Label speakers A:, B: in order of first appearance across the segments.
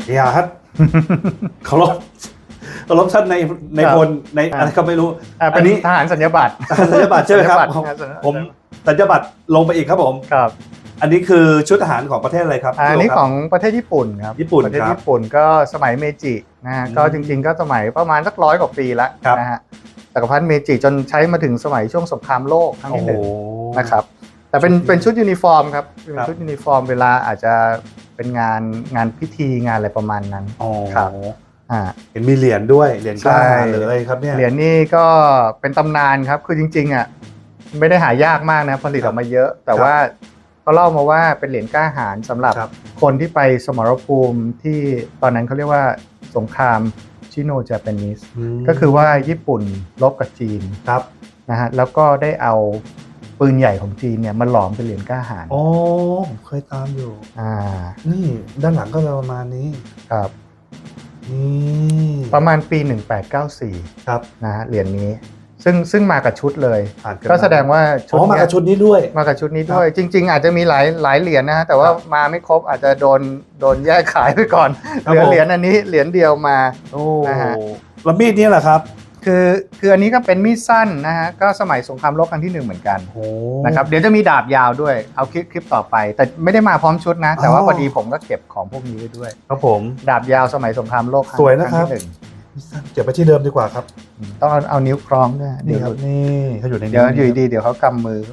A: อย่าครับเคารพท่านในพลในอะไรก็ไม่รู้
B: อันนี้ทหารสัญญาบัตร
A: สัญญาบัตรใช่ไหมครับผมสัญญาบัตรลงไปอีกครับผม
B: ครับ
A: อันนี้คือชุดทหารของประเทศอะไรครับ
B: อันนี้ของประเทศญี่ปุ่นครับ
A: ญี่ปุ่น
B: ประเทศ
A: ครับ
B: ญี่ปุ่นก็สมัยเมจินะฮะก็จริงๆก็สมัยประมาณสัก100 กว่าปีแล้ว
A: ครับ
B: นะฮะจักรพรรดิเมจิจนใช้มาถึงสมัยช่วงสงครามโลกครั้งที่หนึ่งนะครับแต่เป็นชุดยูนิฟอร์มครับเป็นชุดยูนิฟอร์มเวลาอาจจะเป็นงานพิธีงานอะไรประมาณนั้นครับ
A: เห็นมีเหรียญด้วยเหรียญกล้าหาญเลยครับเนี่ย
B: เหรียญนี่ก็เป็นตำนานครับคือจริงๆอ่ะไม่ได้หายากมากนะผลิตออกมาเยอะ แต่ว่าเขาเล่ามาว่าเป็นเหรียญกล้าหาญสำหรับคนที่ไปสมรภูมิที่ตอนนั้นเขาเรียกว่าสงครามชิโนเจแปนิสก็คือว่าญี่ปุ่นรบกับจีนนะฮะแล้วก็ได้เอาปืนใหญ่ของจีนเนี่ยมาหลอมเป็นเหรียญกล้าหาญ
A: อ๋อผมเคยตามอยู่นี่ด้านหลังก็ประมาณนี้
B: ครับ
A: นี่
B: ประมาณปี1894
A: ครับ
B: นะฮะเหรียญนี้ซึ่งมากับชุดเลย
A: ก็
B: แสดงว่าชุด
A: มากับชุดนี้ด้วย
B: มากับชุดนี้ด้วยจริงๆอาจจะมีหลายเหรียญนะฮะแต่ว่ามาไม่ครบอาจจะโดนแยกขายไปก่อนเหลือเหรียญอันนี้เหรียญเดียวมานะฮะ
A: แล้วมีดนี้แหละครับ
B: คืออันนี้ก็เป็นมีดสั้นนะฮะก็สมัยสงครามโลกครั้งที่1เหมือนกันนะครับเดี๋ยวจะมีดาบยาวด้วยเอาคลิปต่อไปแต่ไม่ได้มาพร้อมชุดนะแต่ว่าพอดีผมก็เก็บของพวกนี้ไว้ด้วย
A: ครับผม
B: ดาบยาวสมัยสงครามโลก
A: สวยนะครับเก็บไปที่เดิมดีกว่าครับ
B: ต้องเอานิ้วคล้องด้วย
A: นี่ครับนี่เขาอยู่ใน
B: เดี๋ยวอยู่ดีเดี๋ยวเขากำมือ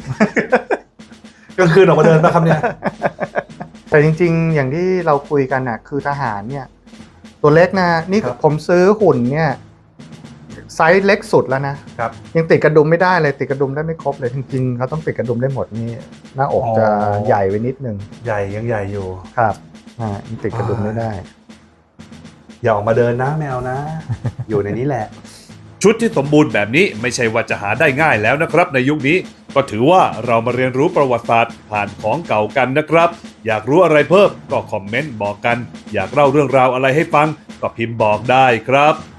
A: กลางคืนออกมาเดินนะครับเนี่ย
B: แต่จริงๆอย่างที่เราคุยกันน่ะคือทหารเนี่ยตัวเล็กนะนี่ผมซื้อหุ่นเนี่ยไซส์เล็กสุดแล้วนะครับยังติดกระดุมไม่ได้เลยติดกระดุมได้ไม่ครบเลยจริงๆเขาต้องติดกระดุมได้หมดนี่หน้าอกจะใหญ่ไว้นิดนึง
A: ยังใหญ่อยู่
B: ครับยังติดกระดุมไม่ได้
A: อย่าออกมาเดินนะแมวนะ อยู่ในนี้แหละ
C: ชุดที่สมบูรณ์แบบนี้ไม่ใช่ว่าจะหาได้ง่ายแล้วนะครับในยุคนี้ก็ถือว่าเรามาเรียนรู้ประวัติศาสตร์ผ่านของเก่ากันนะครับอยากรู้อะไรเพิ่มก็คอมเมนต์บอกกันอยากเล่าเรื่องราวอะไรให้ฟังก็พิมพ์บอกได้ครับ